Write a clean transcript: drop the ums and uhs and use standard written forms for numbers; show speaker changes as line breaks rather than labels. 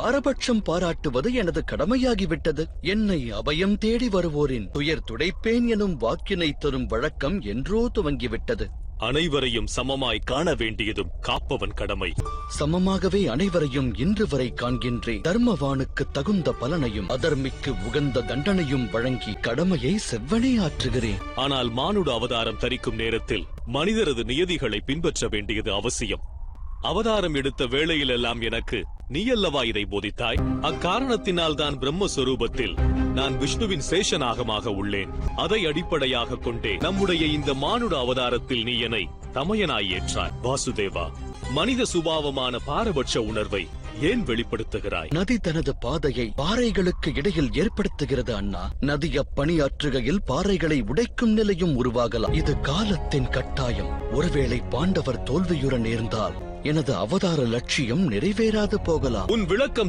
பாரபட்சம் பாராட்டுவது எனது கடமையாகிவிட்டது. என்னை அபயம் தேடி வருவோரின் துயர் துடைப்பேன் எனும் வாக்கினை தரும் வழக்கம் என்றோ துவங்கிவிட்டது.
அனைவரையும் சமமாய் காண வேண்டியதும் காப்பவன் கடமை.
சமமாகவே அனைவரையும் இன்று வரை காண்கின்றேன். தர்மவானுக்கு தகுந்த பலனையும் அதர்மிக்கு உகந்த தண்டனையும் வழங்கி கடமையை செவ்வனே ஆற்றுகிறேன்.
ஆனால் மானுட அவதாரம் தரிக்கும் நேரத்தில் மனிதரது நியதிகளை பின்பற்ற வேண்டியது அவசியம். அவதாரம் எடுத்த வேளையிலெல்லாம் எனக்கு நீயல்லவா இதை போதித்தாய்? அக்காரணத்தினால் தான் பிரம்மஸ்வரூபத்தில் நான் விஷ்ணுவின் சேஷநாகமாக உள்ளேன். அதை அடிப்படையாக கொண்டே நம்முடைய இந்த மானுட அவதாரத்தில் நீ என்னை தமையனாய் ஏற்றாய். வாசுதேவா, மனித சுபாவமான பாரபட்ச உணர்வை ஏன் வெளிப்படுத்துகிறாய்?
நதி தனது பாதையை பாறைகளுக்கு இடையில் ஏற்படுத்துகிறது அண்ணா. நதி அப்பணியாற்றுகையில் பாறைகளை உடைக்கும் நிலையும் உருவாகலாம். இது காலத்தின் கட்டாயம். ஒருவேளை பாண்டவர் தோல்வியுற நேர்ந்தால் எனது அவதார லட்சியம் நிறைவேறாது போகலாம்.
உன் விளக்கம்